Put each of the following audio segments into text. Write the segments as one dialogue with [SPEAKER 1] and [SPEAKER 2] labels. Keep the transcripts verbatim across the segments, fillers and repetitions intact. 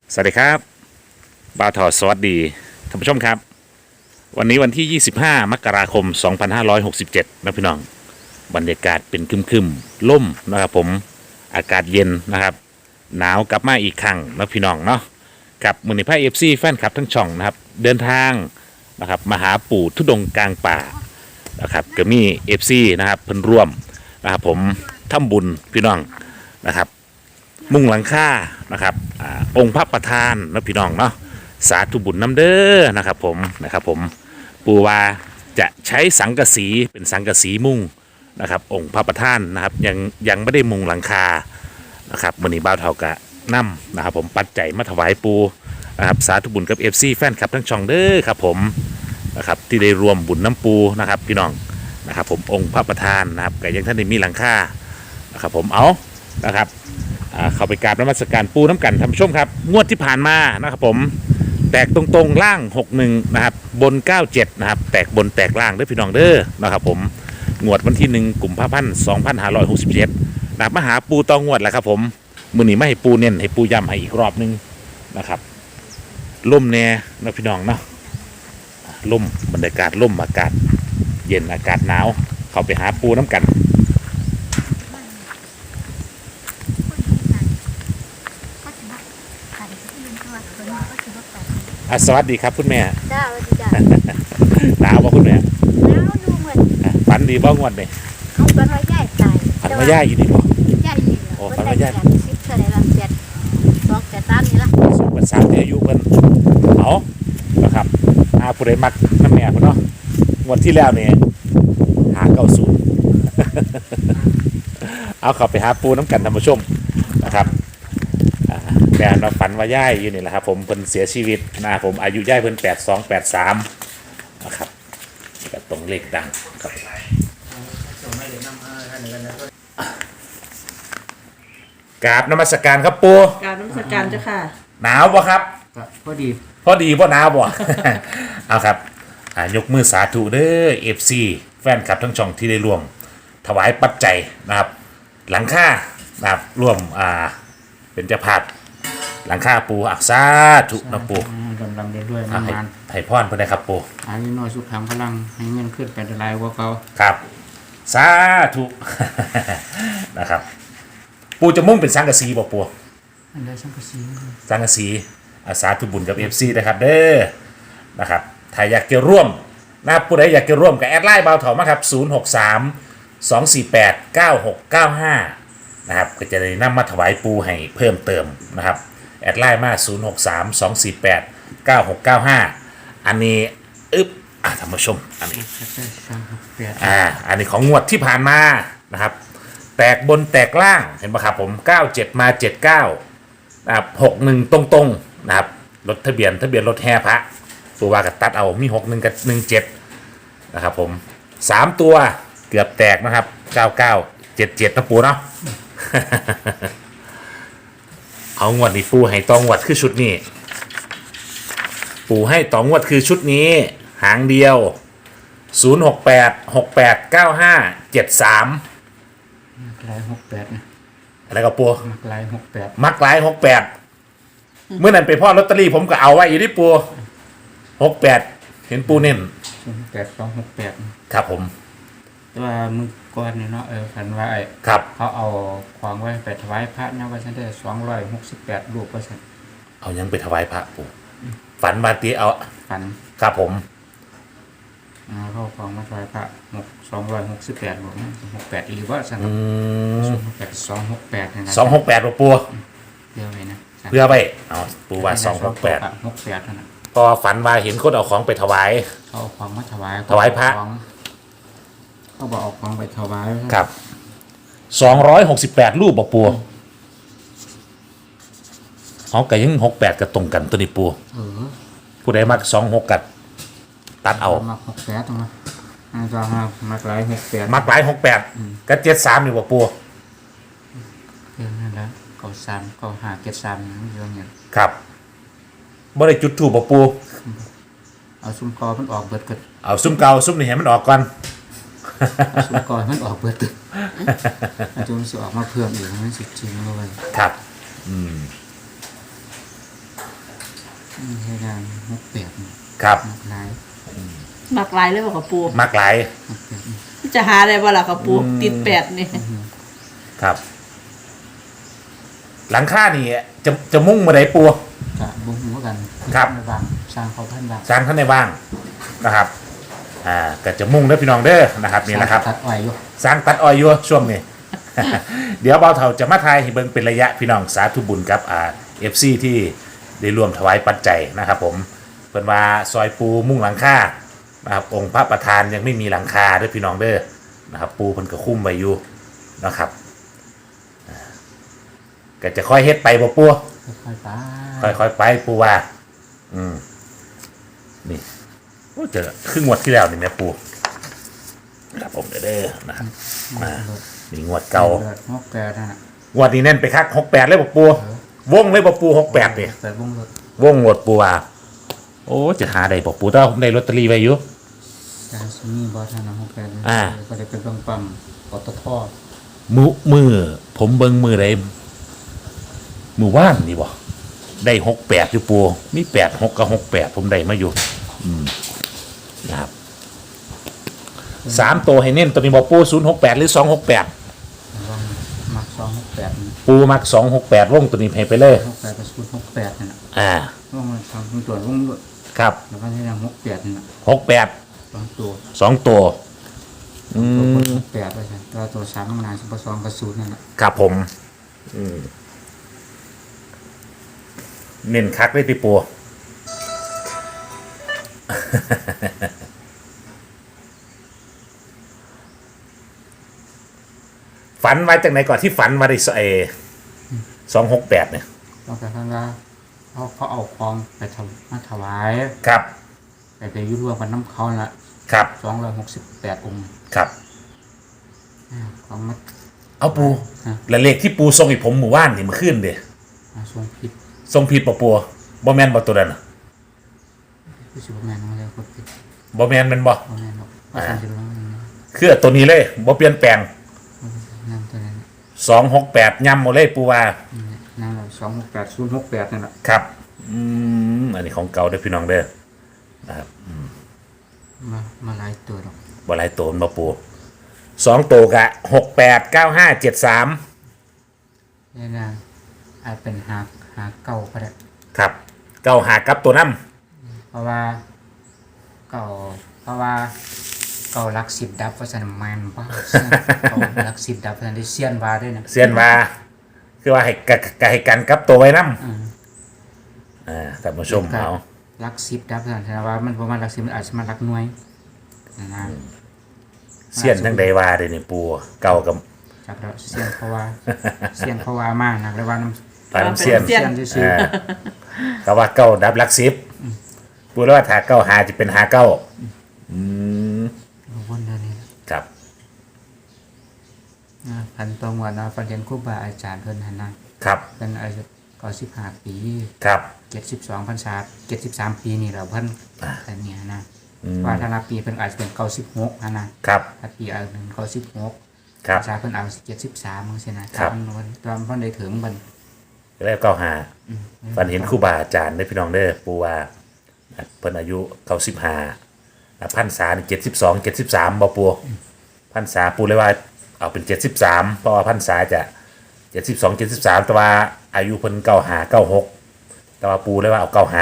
[SPEAKER 1] สวัสดีครับบ่าวทอสวัสดีท่านผู้ชมครับวันนี้วันที่ยี่สิบห้ามกราคมสองพันห้าร้อยหกสิบเจ็ดนะพี่น้องบรรยากาศเป็นครึมๆล่มนะครับผมอากาศเย็นนะครับหนาวกลับมาอีกครั้งนะพี่น้องเนาะกับมือนิพายเอฟซีแฟนคลับทั้งช่องนะครับเดินทางนะครับมาหาปู่ทุดงค์กลางป่านะครับก็มีเอฟซีนะครับเพิ่นร่วมนะครับผมทำบุญพี่น้องนะครับ มุ่งหลังคานะครับอาองค์พระประธานนะพี่น้องเนาะสาธุบุญน้ำเด้อนะครับผมนะครับผมปูว่าจะใช้สังกะสีเป็นสังกะสีมุ่งนะครับองค์พระประธานนะครับยังยังไม่ได้มุงหลังคานะครับมือนี้บ่าวเท่ากะนํนะครับผมปัจจัยมาถวายปูนะครับสาธุบุญกับเอฟซีแฟนคลับทั้งช่องเด้อครับผมนะครับที่ได้รวมบุญน้ำปูนะครับพี่น้องนะครับผมองค์พระประธานนะครับก็ยังท่านได้มีหลังคานะครับผมเอานะครับ เข้าไปกราบนมัสการปูน้ำกันท่านผู้ชมครับงวดที่ผ่านมานะครับผมแตกตรงๆล่างหกสิบเอ็ดนะครับบนเก้าสิบเจ็ดนะครับแตกบนแตกล่างเด้อพี่น้องเด้อนะครับผมงวดวันที่หนึ่งกุมภาพันธ์สองพันห้าร้อยหกสิบเจ็ดนะครับมาหาปูตองงวดแหละครับผมมือนี้ไม่ให้ปูเน้นให้ปูย้ำให้อีกรอบนึงนะครับล่มแน่นะพี่น้องเนาะล่มบรรยากาศล่มอากาศเย็นอากาศหนาวเข้าไปหาปูน้ำกันอ่ะสวัสดีครับคุณแม่
[SPEAKER 2] จ้าสวัสดีจ้า
[SPEAKER 1] หนาวบ่คุณแม่
[SPEAKER 2] แล้วดูเหมือน
[SPEAKER 1] อ่ะฝันดีบ้างวันเนี่ย
[SPEAKER 2] เอาฝันว่าย่ายตาย
[SPEAKER 1] ฝันว่าย่ายอยู่นี่บ่
[SPEAKER 2] ย่ายนี่เหรอ
[SPEAKER 1] โอ้ฝันว่าย่าย
[SPEAKER 2] สิบเท่าไหร่ละเจ็ดสองเจ็ดสามนี่ละ
[SPEAKER 1] สูงเป็นสามที่อายุเพิ่นเอานะครับอาผู้ใดมักน้ำแม่พุ่นเนาะงวดที่แล้วเนี่ยหาเก้าศูนย์เอาเข้าไปหาปูน้ำกันท่านผู้ชมนะครับแม่เราฝันว่าย่ายอยู่นี่แหละครับผมเพิ่นเสียชีวิตนะผมอายุย่ายเพิ่นแปดสองแปดสามนะครับกับตรงเลขดังครับกราบนมัสการครับปู
[SPEAKER 3] กราบนมัสการเจ้าค่ะ
[SPEAKER 1] หนาวบ่ครับ
[SPEAKER 3] พอดี
[SPEAKER 1] พอดีบ่หนาวบ่ เอาครับยกมือสาธุเด้อ เอฟ ซี แฟนคลับทั้งช่องที่ได้ร่วมถวายปัจจัยนะครับหลังคานะครับร่วมอ่าเป็นเจ้าภาพหลังคาปูอักษาถุนะปู
[SPEAKER 3] กำลังเดินด้วย
[SPEAKER 1] นานไถ่พรเพื่อนครับปู
[SPEAKER 3] อันนี้น้อยสุดทางพลังให้เงินขึ้นไปได้หลายกว่าเขา
[SPEAKER 1] ครับสาธุนะครับปูจะมุ่งเป็นสังกะสีบ่ปู
[SPEAKER 3] อันใดสังกะสี
[SPEAKER 1] สังกะสีอาสาธุบุญกับ เอฟ ซี นะครับเด้อนะครับถ้าอยากจะร่วมนะผู้ใดอยากจะร่วมกับแอดไลน์เบาเถามาครับศูนย์ หก สาม สอง สี่ แปด เก้า หก เก้า ห้านะครับก็จะได้นำมาถวายปูให้เพิ่มเติมนะครับแอดไลน์มาศูนย์ หก สาม สอง สี่ แปด เก้า หก เก้า ห้าอันนี้อึ๊บอ่ะท่านผู้ชมอันนี้อ่าอันนี้ของงวดที่ผ่านมานะครับแตกบนแตกล่างเห็นปะครับผมเก้าเจ็ดมาเจ็ดเก้านะครับหกหนึ่งตรงๆนะครับรถทะเบียนทะเบียนรถแห่พระตัวว่ากับตัดเอามีหกหนึ่งกับหนึ่งเจ็ดนะครับผมสามตัวเกือบแตกนะครับเก้าเก้าเจ็ดเจ็ดนะปูเนาะ เอางวดนี้ปูให้ตองวดคือชุดนี้ปูให้ตองวดคือชุดนี้หางเดียวศูนย์ หก แปด หก แปด เก้า ห้า เจ็ด สาม
[SPEAKER 3] มักลายหกแปดนะ
[SPEAKER 1] อะไรกับปู
[SPEAKER 3] มักลายหกแปด
[SPEAKER 1] มักลายหกแปดเมื่อนั้นไปพ่อลอตเตอรี่ผมก็เอาไว้อยู่ที่ปูหกแปดเห็นปูเน้น
[SPEAKER 3] แปดสองหกแปด
[SPEAKER 1] ครับผม
[SPEAKER 3] แต่ว่ามึงก่อนเนี่ยเนาะเออฝันว่าไอ้
[SPEAKER 1] ครับ
[SPEAKER 3] เขาเอาของไว้ไปถวายพระนะว่าฉันได้สองร้อยหกสิบแปดรูปว่าฉัน
[SPEAKER 1] เอายังไปถวายพระปูฝันมาตีเอา
[SPEAKER 3] ฝัน
[SPEAKER 1] ครับผม
[SPEAKER 3] เขาของมาถวายพระหกสองร้อยหกสิบแปดบอกนะหกแปดหรือว่าฉันสองหกแปดสองหกแปดนะ
[SPEAKER 1] สองหกแปดปู
[SPEAKER 3] เพื่อไปนะ
[SPEAKER 1] เพื่อไปเอาปูว่าสองหกแปด
[SPEAKER 3] หกแปดนะ
[SPEAKER 1] พอฝันว่าเห็นคนเอาของไปถวาย
[SPEAKER 3] เอาของมาถวาย
[SPEAKER 1] ถวายพระ
[SPEAKER 3] เขาบอกเอาของไปถวาย
[SPEAKER 1] ครับสองร้อยหกสิบแปดรูปบอกปูเอาไก่ยังหกแปดกับตรงกันตัวนี้ปูผู้ใดมักสองหกกัดตัดเอา
[SPEAKER 3] มักหกแปดตรงนั้นจะมามักหลายหกแปด
[SPEAKER 1] มักหลายหกแปดกับเจ็ดสามอยู่บอกปู
[SPEAKER 3] เออนั่นแหละเก้าสามเก้าห้าเจ็ดสามนี่เยอะเนี่ย
[SPEAKER 1] ครับบ่ได้จุดถูกบอกปู
[SPEAKER 3] เอาซุ้มกอมันออกเบิดกัน
[SPEAKER 1] เอาซุ้มเก่าซุ้มนี่เห็นมันออกก่อน
[SPEAKER 3] ซุ้มกอมันออกเบิดกันอาจจะมันจะออกมาเพิ่มอีกมันสิจริงเลย
[SPEAKER 1] ครับอืม
[SPEAKER 3] อืมให้ได้หกแปดนี่
[SPEAKER 1] ครับ
[SPEAKER 3] หนักหลาย
[SPEAKER 4] มักหลายเลยบ่ค่ะปู
[SPEAKER 1] มักหลาย
[SPEAKER 3] หกแปดนี่
[SPEAKER 4] จะหาได้บ่ล่ะค่ะปู
[SPEAKER 1] อืม
[SPEAKER 4] ติดแปดนี่
[SPEAKER 1] ครับ หลังคานี่จะจะมุ่งมาไหนปู
[SPEAKER 3] จะบุ้งหัวกัน
[SPEAKER 1] ครับ
[SPEAKER 3] ในบ้านสร้างเขาพันบาท
[SPEAKER 1] สร้างท่านในบ้างนะครับ อ่าก็จะมุ่งเด้อพี่น้องเด้อนะครับนี่แหละครับ
[SPEAKER 3] ตัดอ้อยอยู่
[SPEAKER 1] สร้างตัดออยอยู่ช่วงนี้ เดี๋ยวเบาเถาจะมาทายให้เบิ่งเป็นระยะพี่น้องสาธุบุญกับอ่าเอฟซีที่ได้รวมถวายปัจจัยนะครับผมเพิ่นว่าซอยปูมุ่งหลังคานะครับองค์พระประธานยังไม่มีหลังคาเด้อพี่น้องเด้อนะครับปูเพิ่นก็คุ้มไว้อยู่นะครับอ่าก็จะค่อยเฮ็ดไปบ่ปู
[SPEAKER 3] ค่อยๆไป
[SPEAKER 1] ค่อยๆไปปูว่า อืมนี่โอ้เจอครึ่งงวดที่แล้วนี่แม่ปูครับผมเด้อเด้อนะครับมานี่งวดเก่า
[SPEAKER 3] หกแปดนั่นน่ะ
[SPEAKER 1] งวดนี้เน้นไปคักหกแปดเลยบ่ปูวงเลยบ่ปูหกแปดนี่
[SPEAKER 3] แปดวงรถ
[SPEAKER 1] วงงวดปูว่าโอ้จะหาได้บ่ปูแต่ว่าผมได้ลอตเตอรี่ไว้อยู่
[SPEAKER 3] จานซีนี่บอสนะหกแปด
[SPEAKER 1] อ่า
[SPEAKER 3] ก็ได้เป็นปังปังปตท
[SPEAKER 1] มือมือผมเบิ่งมือใดมือว่านนี่บ่ได้หกแปดอยู่ปูมีแปดหกกับหกแปดผมได้มาอยู่อืมนะครับสามตัวให้เน้นตัวนี้บ่ปูศูนย์หกแปดหรือสองหกแปด
[SPEAKER 3] ว่างมักสองหกแปด
[SPEAKER 1] ปูมักสองหกแปดวงตัวนี้ให้ไปเลย
[SPEAKER 3] หกแปดกับศูนย์หกแปดนั่นน่ะ
[SPEAKER 1] อ่า
[SPEAKER 3] ว่างมันทำเป็นตัววงรถ
[SPEAKER 1] ครับ
[SPEAKER 3] แล้วก็ที่ยังหกแปดนั่นน่ะ
[SPEAKER 1] หกแปด
[SPEAKER 3] สองตัว
[SPEAKER 1] สองตัวอื
[SPEAKER 3] ตัวคน
[SPEAKER 1] ม
[SPEAKER 3] หกแปดไปใช่ตัวตัวสามมันนานสิบสองกับศูนย์นั่นแหละ
[SPEAKER 1] ครับผม อืมเน้นคักเลยติปู ฝันมาจากไหนก่อนที่ฝันมาได้สเอสองหกแปดเนี่ย
[SPEAKER 3] ต้องไปข้างล่างเขาเขาเอาคลองไปทำมาถวาย
[SPEAKER 1] ครับ
[SPEAKER 3] ไปไปยุ่รวมกันน้ำเขาละ
[SPEAKER 1] ครับ
[SPEAKER 3] สองร้อยหกสิบแปดองค์
[SPEAKER 1] ครับ
[SPEAKER 3] อ่าของมา
[SPEAKER 1] เอาปู
[SPEAKER 3] ฮะ
[SPEAKER 1] และเลขที่ปูทรงให้ผมหมู่บ้านนี่มาขึ้นเด้
[SPEAKER 3] มาทรงผิด
[SPEAKER 1] ทรงผิดปะปูบ่แมนบ่ตัวนั้นน่ะ
[SPEAKER 3] ผู้ชิบแมนมาแล้วก็ผิด
[SPEAKER 1] บ่แมนแมันบ่
[SPEAKER 3] เอาแมนบอกว่าทำจะร้องนะ
[SPEAKER 1] คือตัวนี้เลยบ่เปลี่ยนแปลง
[SPEAKER 3] นั่นตัวนั้น
[SPEAKER 1] สองหกแปดย่ำหมดเลยปูว่า
[SPEAKER 3] นั่นเราสองหกแปดศูนย์หกแปดนั่นแหละ
[SPEAKER 1] ครับ อืม อันนี้ของเก่าเด้อพี่น้องเด้อ นะครับ
[SPEAKER 3] มามาหลายตัวหรอก
[SPEAKER 1] บ่หลายตัวมาปูสองตัวกะหกแปดเก้าห้าเจ็ดสาม
[SPEAKER 3] นี่นะอาจเป็นหาหาเก่าก็ได้
[SPEAKER 1] ครับเก้าหากับตัวน้
[SPEAKER 3] เพราะว่าเก่าเพราะว่าเก่ารักสิบดับเพราะฉะนั้นแมนว่าเก่ารักสิบดับเพราะฉะนั้นได้เซียนวาด้วยนะ
[SPEAKER 1] ำเสียนว่า คือว่าให้กะกะให้กันกับตัวไว้น้
[SPEAKER 3] อืม
[SPEAKER 1] ำอ่าท่านผู้ชมเอา
[SPEAKER 3] รักสิบดับเพราะฉะนั้นว่ามันประมาณรักสิบมันอาจจะมารักหน่วยนะนะ
[SPEAKER 1] เสียนทั้งใดว่าเด้นี่ปูเก่ากับ
[SPEAKER 3] จากแล้วเซียนเพราะว่าเซียนเพราะว่ามากนะแล้วว่าน้ำ
[SPEAKER 1] ปานำเสียน
[SPEAKER 3] เซียนซื่อ
[SPEAKER 1] อ่าก็ว่าเก้าดับหลักสิบปูแล้วว่าถ้าเก้าหาจะเป็นหาเก้าอืม
[SPEAKER 3] ๆวนเท่านี้
[SPEAKER 1] ครับ
[SPEAKER 3] นะพันตรงวันนะฟันเรียนครูบาอาจารย์เพิ่นหันนะครับ เป็นอายุก็สิบห้าปี
[SPEAKER 1] ครับ
[SPEAKER 3] เจ็ดสิบสองพรรษาเจ็ดสิบสามปีนี่เราเพิ่น
[SPEAKER 1] อ่า
[SPEAKER 3] แต่เนี่ยนะ
[SPEAKER 1] อืม
[SPEAKER 3] ว่าถ้านับปีเป็นอาจจะเป็นเก้าสิบหกนะนะครับ ถ้าปีอายุหนึ่งเก้าสิบหก
[SPEAKER 1] ครับ
[SPEAKER 3] พรรษาเพิ่นอายุเจ็ดสิบสามมั้งสินะครับ ตอนตอนเพิ่นได้ถึงมัน
[SPEAKER 1] แล้วเก้าหา
[SPEAKER 3] อืม
[SPEAKER 1] ฝันเห็นครูบาอาจารย์ได้อพี่น้องเด้อปูว่าเพิ่นอายุเก้าสิบห้าพันษาเจ็ดสิบสองเจ็ดสิบสามบ่ปูพันษาปูเลยว่าเอาเป็นเจ็ดสิบสามเพราะว่าพันษาจะเจ็ดสิบสองเจ็ดสิบสามแต่ว่าอายุเพิ่นเก้าหาเก้าหกแต่ว่าปูเลยว่าเอาเก้าหา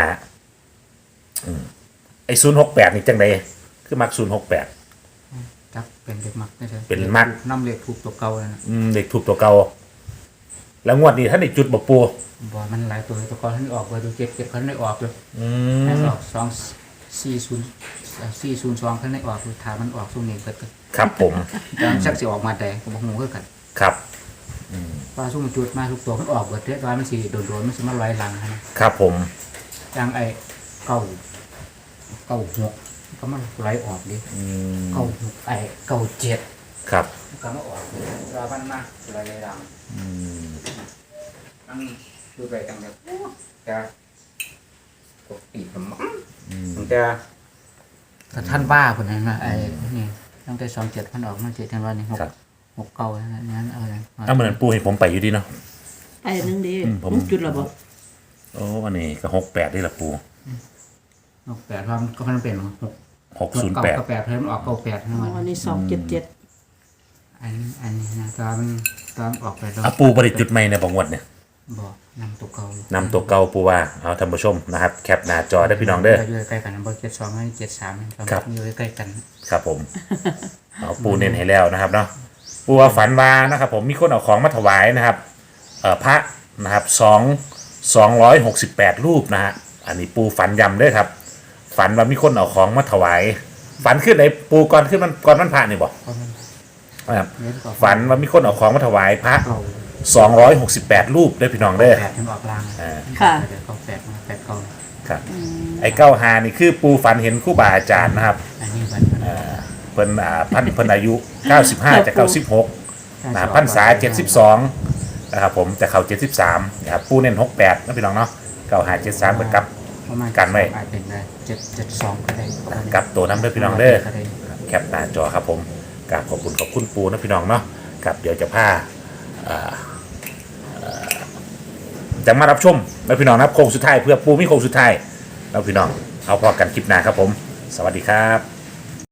[SPEAKER 1] ไอ้ศูนย์หกแปดนี่จังไดคือมักศูนย์หกแปด
[SPEAKER 3] จักเป็นเด็กมักได้เลย
[SPEAKER 1] เป็นมัก
[SPEAKER 3] น้ำเล็กถูกตัวเก่าแล้วนะ
[SPEAKER 1] เด็กถูกตัวเก่าแล้วงวดนี้ท่านได้จุดบ่ปู
[SPEAKER 3] บ่มันหลายตัวตัวเก่าท่านออกไปดูเก็บเก็บท่านได้ออกเลย
[SPEAKER 1] อื
[SPEAKER 3] ให้
[SPEAKER 1] ม
[SPEAKER 3] ออกสองสี่ศูนย์สี่ศูนย์สองท่านได้ออกถามมันออกช่วงนี้เกิดกัน
[SPEAKER 1] ครับผม
[SPEAKER 3] แต่มันชักสิออกมาแต่ก็บ่ฮู้คือกัน
[SPEAKER 1] ครับ
[SPEAKER 3] ว่าซุ่มจุดมาทุกตัวมันออกเบิดเด้ว่ามันสิโดนๆมันสิมาลอยหลังนะครับ
[SPEAKER 1] ผม
[SPEAKER 3] อย่างไอ้เก้าเก้าหกก็มันไหลออกดิ
[SPEAKER 1] อืม
[SPEAKER 3] เก้าหกไอ้เก้าเจ็ด
[SPEAKER 1] ครับ
[SPEAKER 3] ก็มาออกว่ามันมาลอยหลัง
[SPEAKER 1] อืม
[SPEAKER 3] มันดูไปจังเลยจะปกติผมมันจะถ้าท่านว่าคนนั้นมาไอ้นี่ตั้งแต่สองเจ็ดพันออกมาเจ็ดท่านว่านี่หก
[SPEAKER 1] ครับ
[SPEAKER 3] หกเก้านั้นนั้นเอาอะไร
[SPEAKER 1] เอาเหมือนปูให้ผมไปอยู่ดีเนาะ
[SPEAKER 4] ไอ้นึงดี
[SPEAKER 1] อืมผม
[SPEAKER 4] จุดละบ่
[SPEAKER 1] โอ้อันนี้ก็หกแปดนี่แหละปู
[SPEAKER 3] หกแปดเพราะมันก็มันเป็นหก
[SPEAKER 1] หกศูนย์แปด
[SPEAKER 3] เก้าแปดเพิ่มออกเก้าแปดทั้งหมด
[SPEAKER 4] อันนี้สองเจ็ดเจ็ด
[SPEAKER 3] อันอันนี้นะตอนตอนออกไปแล้ว
[SPEAKER 1] อ่ะปูบริจุดใหม่ในบางวันเนี่ย
[SPEAKER 3] บอกนำตัวเก่าน
[SPEAKER 1] ำตัวเก่าปูว่าเอาท่านผู้ชมนะครับแคปหน้าจอได้พี่น้องเด้อ
[SPEAKER 3] อยู่ใกล้กันนะบอกเจ็ดสองให้เจ็ดสาม
[SPEAKER 1] ครับ
[SPEAKER 3] อยู่ใกล้กัน
[SPEAKER 1] ครับผม เอาปูเน้นให้แล้วนะครับเนาะปูว่าฝันว่านะครับ ผมมีคนเอาของมาถวายนะครับเอ่อพระนะครับสองสองร้อยหกสิบแปดรูปนะฮะอันนี้ปูฝันยำเด้วยครับ ฝันว่ามีคนเอาของมาถวาย ฝันขึ้นไหนปูก่อนขึ้นมันก่อนมันพระนี่บอก
[SPEAKER 3] เพราะมัน
[SPEAKER 1] นะครับ
[SPEAKER 3] เน้นก่อน
[SPEAKER 1] ฝันว่ามีคนเอาของมาถวายพระ
[SPEAKER 3] เก้า
[SPEAKER 1] สองร้อยหกสิบแปดรูปเด้อพี่น้องเด้อ
[SPEAKER 3] แปดทั้งออกลาง
[SPEAKER 1] อ่า
[SPEAKER 4] ค่ะ
[SPEAKER 3] เดี๋ยวเก้าแปดมาแปดเก้า
[SPEAKER 1] ครับไอ้เก้าหานี่คือปูฝันเห็นครู่บาอาจารย์นะครับ
[SPEAKER 3] อันนี้มันมัน
[SPEAKER 1] เพิ่นอ่าพันเพิ่นอายุเก้าสิบห้าจากเก้าสิบหกนะพันษาเจ็ดสิบสองนะครับผมจะเข้าเจ็ดสิบสามนะครับปูเน้นหกแปดนะพี่น้องเนาะเก้าหาเจ็ดสามเหมือนกับ
[SPEAKER 3] ประมาณ
[SPEAKER 1] กันไว้
[SPEAKER 3] อาจเป็นได้เจ็ดเจ็ดสองก็ได้ประมาณนี้
[SPEAKER 1] กับตัวน้ำเด้อพี่น้องเด้อ
[SPEAKER 3] ก็ได้
[SPEAKER 1] แคปหน้าจอครับผมกราบขอบคุณขอบคุณปูนะพี่น้องเนาะกับเดี๋ยวจะพาอ่าเอ่อจะมารับชมนะพี่น้องนะครับโค้งสุดท้ายเพื่อปูมีโค้งสุดท้ายนะพี่น้องเอาพอกันคลิปหน้าครับผม สวัสดีครับ